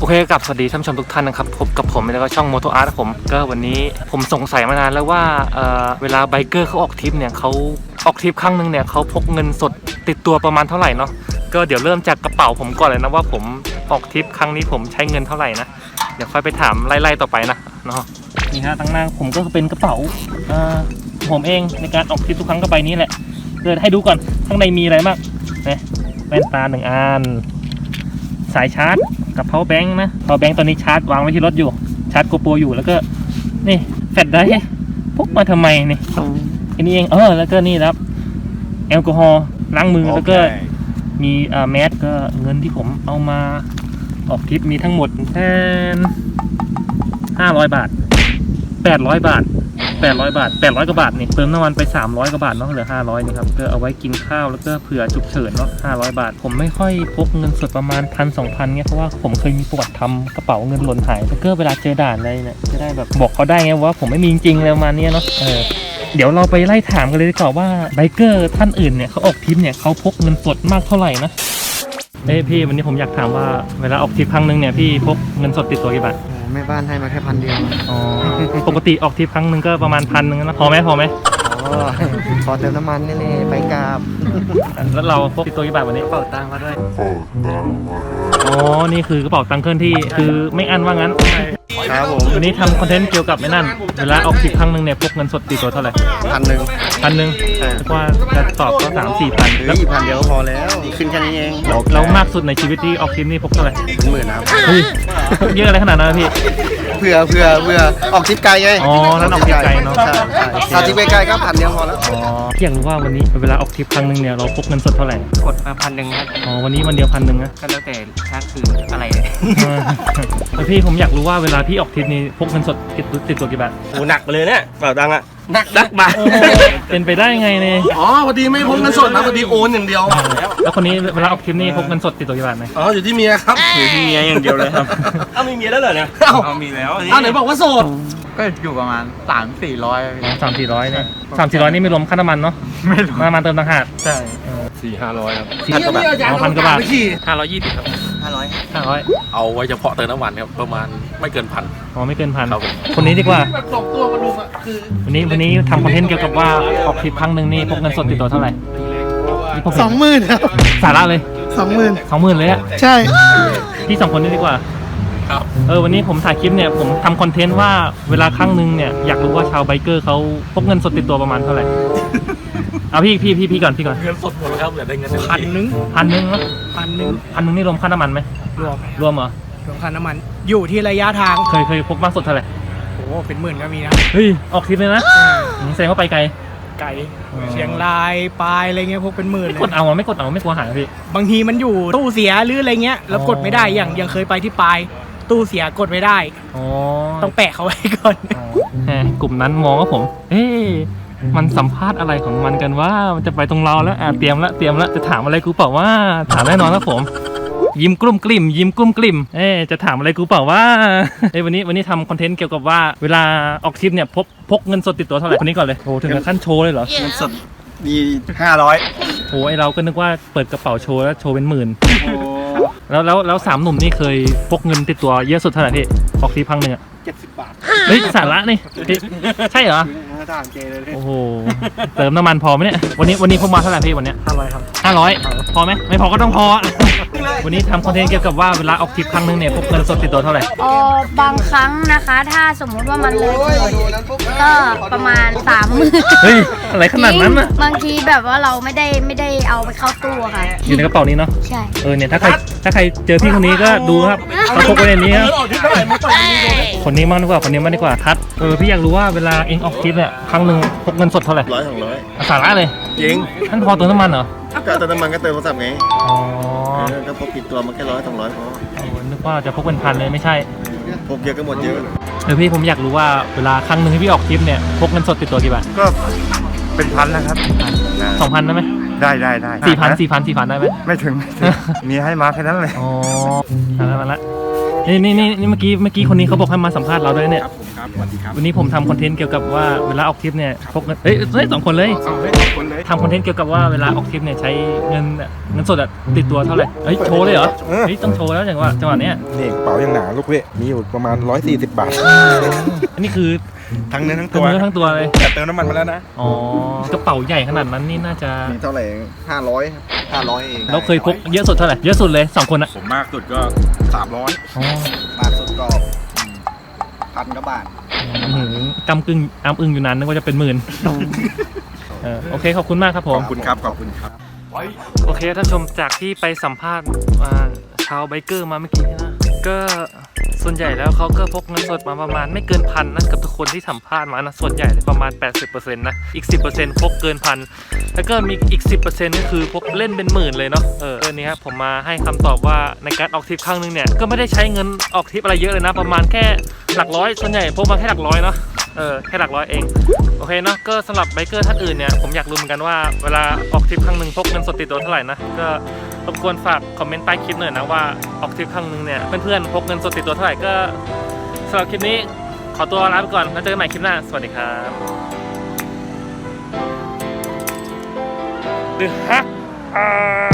โอเคกับสวัสดีท่านผู้ชมทุกท่านนะครับพบกับผมแล้วก็ช่อง Moto Art ผมก็วันนี้ผมสงสัยมานานแล้วว่าเวลาไบเกอร์เขาออกทริปเนี่ยเขาออกทริปครั้งหนึ่งเนี่ยเขาพกเงินสดติดตัวประมาณเท่าไหร่เนาะก็เดี๋ยวเริ่มจากกระเป๋าผมก่อนเลยนะว่าผมออกทริปครั้งนี้ผมใช้เงินเท่าไหร่นะเดี๋ยวค่อยไปถามไล่ๆต่อไปนะเนาะนี่ฮะตั้งหน้าผมก็เป็นกระเป๋าผมเองในการออกทริปทุกครั้งก็ใบนี้แหละเดี๋ยวให้ดูก่อนข้างในมีอะไรบ้างเนี่ยแว่นตา1 อันสายชาร์จกับ power bank นะ power bank ตอนนี้ชาร์จวางไว้ที่รถอยู่ชาร์จโกโปรอยู่แล้วก็นี่แฟลชไดร์พกมาทำไมนี่อันนี้เองแล้วก็นี่ครับแอลกอฮอล์ล้างมือแล้วก็มีแมสก็เงินที่ผมเอามาออกทริปมีทั้งหมดแค่500 บาท800 บาท800 บาท800 กว่าบาทนี่เติมน้ำมันไป300 กว่าบาทเนาะเหลือ500นี่ครับก็เอาไว้กินข้าวแล้วก็เผื่อฉุกเฉินเนาะ500 บาทผมไม่ค่อยพกเงินสดประมาณ1,000-2,000เนี่ยเพราะว่าผมเคยมีประวัติทำกระเป๋าเงินหล่นหายแล้วก็เวลาเจอด่านอะไรเนี่ยจะได้แบบบอกเขาได้ไงว่าผมไม่มีจริงๆอะไรประมาณนี้เนาะเดี๋ยวเราไปไล่ถามกันเลยดีกว่าว่าไบเกอร์ท่านอื่นเนี่ยเขาออกทริปเนี่ยเขาพกเงินสดมากเท่าไหร่นะพี่วันนี้ผมอยากถามว่าเวลาออกทริปครั้งนึงเนี่ยพี่พกเงินสดติดตัวกี่บาทแม่บ้านให้มาแค่1,000 เดียวปกติออกทริปครั้งนึงก็ประมาณ1,000นะพอไหมพอเติมน้ำมันนี่ไปกราบแล้วเราพกติดตัวกี่บาทวันนี้กระเป๋าตังค์มาด้วยนี่คือกระเป๋าตังค์เคลื่อนที่คือไม่อั้นว่างั้นครับผมวันนี้ทำคอนเทนต์เกี่ยวกับไอ้นั่นเวลาออกทริปครั้งนึงเนี่ยพกเงินสดติดตัวเท่าไหร่1,000ว่าจะตอบก็3-4,000 แล้ว1,000 เดียวก็พอแล้วขึ้นแค่นี้เองแล้วมากสุดในชีวิตที่ออกทริปนี่พกเท่าไหร่เป็นหมื่นนะเยอะอะไรขนาดนั้นพี่เผื่อออกทริปไกลไงนั่นออกทริปไกลเนาะถ้าทริปไกลก็1,000 เดียวพอแล้วอยากรู้ว่าวันนี้เวลาออกทริปครั้งนึงเนี่ยเราพกเงินสดเท่าไหร่กดมา1,000ครับวันนี้วันเดียว1,000นะก็แล้วแต่ชาร์จคืออะไรแล้วพี่ผมอยากรู้ว่าเวลาพี่ออกทริปนี้พกเงินสดติดตัวกี่บาทโอ้หนักไปเลยเนี่ยเปล่าตังค์อะหนักบาทเป็นไปได้ไงเนี่ยพอดีไม่พกเงินสดนะพอดีโอนอย่างเดียวแล้วคนนี้เวลาออกทริปนี้พกเงินสดติดตัวกี่บาทไหมอยู่ที่เมียครับอยู่ที่เมียอย่างเดียวเลยครับมีเมียแล้วเหรอเนี่ยมีแล้วไหนบอกว่าโสดก็อยู่ประมาณ300-400 300-400เนี่ย300-400นี่ไม่รวมค่าน้ำมันเนาะไม่รวมน้ำมันเติมต่างหากใช่400-500ครับ 1,000 กว่าบาท 520ครับ 500 เอาไว้เฉพาะเติมน้ำมันครับประมาณไม่เกิน1,000 ไม่เกิน1,000คนนี้ดีกว่าวันนี้ทำคอนเทนต์เกี่ยวกับว่าออกทริปครั้งหนึ่งนี่พกเงินสดติดตัวเท่าไหร่ 20,000ครับสาระเลย20,000เลยอะใช่พี่2 คนนี้ดีกว่าครับวันนี้ผมถ่ายคลิปเนี่ยผมทำคอนเทนต์ว่าเวลาครั้งหนึ่งเนี่ยอยากรู้ว่าชาวไบเกอร์เขาพกเงินสดติดตัวประมาณเท่าไหร่เอาพี่ก่อนเงินสดหมดครับเหลือได้เงิน 1,000นะ1,000นี่รวมค่าน้ำมันไหมรวมเหรอรวมค่าน้ำมันอยู่ที่ระยะทางเคยพกมากสุดเท่าไหร่โอ้เป็นหมื่นก็มีนะเฮ้ยออกทริปเลยนะแสดงว่าไปไกลเชียงรายปลายอะไรเงี้ยพกเป็นหมื่นไม่กดเอาไม่กลัวหายพี่บางทีมันอยู่ตู้เสียหรืออะไรเงี้ยแล้วกดไม่ได้อย่างเคยไปที่ปลายตู้เสียกดไม่ได้ต้องแปะเขาไว้ก่อนกลุ่มนั้นมองว่าผมมันสัมภาษณ์อะไรของมันกันว่ามันจะไปตรงเราแล้วเตรียมแล้วจะถามอะไรกูเปล่าว่าถามแน่นอนนะผมยิ้มกลุ้มกลิ่มจะถามอะไรกูเปล่าว่าวันนี้ทำคอนเทนต์เกี่ยวกับว่าเวลาออกทริปเนี่ยพกเงินสดติดตัวเท่าไหร่คนนี้ก่อนเลยโอ้ถึงกับขั้นโชว์เลยเหรอเงินสดมี500 โอ้เราก็นึกว่าเปิดกระเป๋าโชว์แล้วโชว์เป็นหมื่นแล้ว3 หนุ่มนี่เคยพกเงินติดตัวเยอะสุดเท่าไหร่พี่ออกทริปครั้งนึง 70 บาทสาระนี่ใช่เหรอโอ้โหเติมน้ำมันพอไหมเนี่ยวันนี้พกมาเท่าไหร่พี่วันนี้ 500ครับ 500พอไหมไม่พอก็ต้องพอวันนี้ทำคอนเทนต์เกี่ยวกับว่าเวลาออกทริปครั้งนึงเนี่ยพกเงินสดติดตัวเท่าไหร่บางครั้งนะคะถ้าสมมุติว่ามันเลยก็ประมาณ30,000 เฮ้ยอะไรขนาดนั้นน่ะบางทีแบบว่าเราไม่ได้เอาไปเข้าตู้ค่ะอยู่ในกระเป๋านี้เนาะใช่เนี่ยถ้าใครเจอพี่คนนี้ก็ดูครับเขาพกไว้ในนี้ครับคนนี้มากดีกว่าทัดพี่อยากรู้ว่าเวลาเองออกทริปเนี่ยครั้งนึงพกเงินสดเท่าไหร่ 100-200 สาระเลยจริงท่านพอเติมน้ำมันเหรอก็เติมน้ำมันก็เติมโทรศัพท์ไงก็พกติดตัวมันแค่100-200พอนึกว่าจะพกเป็นพันเลยไม่ใช่พกเยอะก็หมดเยอะพี่ผมอยากรู้ว่าเวลาครั้งนึงที่พี่ออกทริปเนี่ยพกเงินสดติดตัวกี่บาทก็เป็น1,000แล้วครับ 2,000ได้ไหมได้ 4,000ได้ไหมไม่ถึงมีให้มาแค่นั้นเลยมาละนี่เมื่อกี้คนนี้เขาบอกให้มาสัมภาษณ์เราด้วยเนี่ยครับสวัสดีครับวันนี้ผมทำคอนเทนต์เกี่ยวกับว่าเวลาออกทริปเนี่ยพกเงินเฮ้ย2 คนเลยเอาเลยคนเลยทำคอนเทนต์เกี่ยวกับว่าเวลาออกทริปเนี่ยใช้เงินสดอะติดตัวเท่าไหร่เฮ้ยโชว์เลยเหรอเฮ้ยต้องโชว์แล้วจังหวะเนี้ยนี่กระเป๋ายังหนาลูกเว้ยมีอยู่ประมาณ140 บาทอันนี้คือทั้งเนื้อทั้งตัตัว วเนื้อทั้งตัวเลยแต่เติมน้ำมันมาแล้วนะอ๋อกระเป๋าใหญ่ขนาดนั้นนี่น่าจะมีเท่าไหร่500เองเราเคยพกเยอะสุดเท่าไหร่เยอะสุดเลย2 คนอะผมมากสุดก็300 อ๋อมากสุดก็1,000 กว่าบาทกำกึ่งอ้ำอึ้งอยู่นานนึกว่าจะเป็นหมื่นโอเคขอบคุณมากครับผมขอบคุณครับขอบคุณครับโอเคท่านชมจากที่ไปสัมภาษณ์ชาวไบเกอร์มาเมื่อกี้นะก็ส่วนใหญ่แล้วเขาก็พกเงินสดมาประมาณไม่เกินพันนะกับทุกคนที่สัมภาษณ์มานะส่วนใหญ่เลยประมาณ 80% นะอีก 10% พกเกินพันแล้วก็มีอีก 10% ก็คือพกเล่นเป็นหมื่นเลยเนาะเรื่องนี้ครับผมมาให้คำตอบว่าในการออกทริปครั้งนึงเนี่ยก็ไม่ได้ใช้เงินออกทริปอะไรเยอะเลยนะประมาณแค่หลักร้อยส่วนใหญ่พกมาแค่หลักร้อยเนาะแค่หลักร้อยเองโอเคเนาะก็สำหรับไบเกอร์ท่านอื่นเนี่ยผมอยากรู้เหมือนกันว่าเวลาออกทริปครั้งหนึ่งพกเงินสดติดตัวเท่าไหร่นะก็รบกวนฝากคอมเมนต์ใต้คลิปหน่อยนะว่าออกทริปครั้งหนึ่งเนี่ยเพื่อนๆพกเงินสดติดตัวเท่าไหร่ก็สำหรับคลิปนี้ขอตัวลาไปก่อนแล้วเจอกันใหม่คลิปหน้าสวัสดีครับ The Hack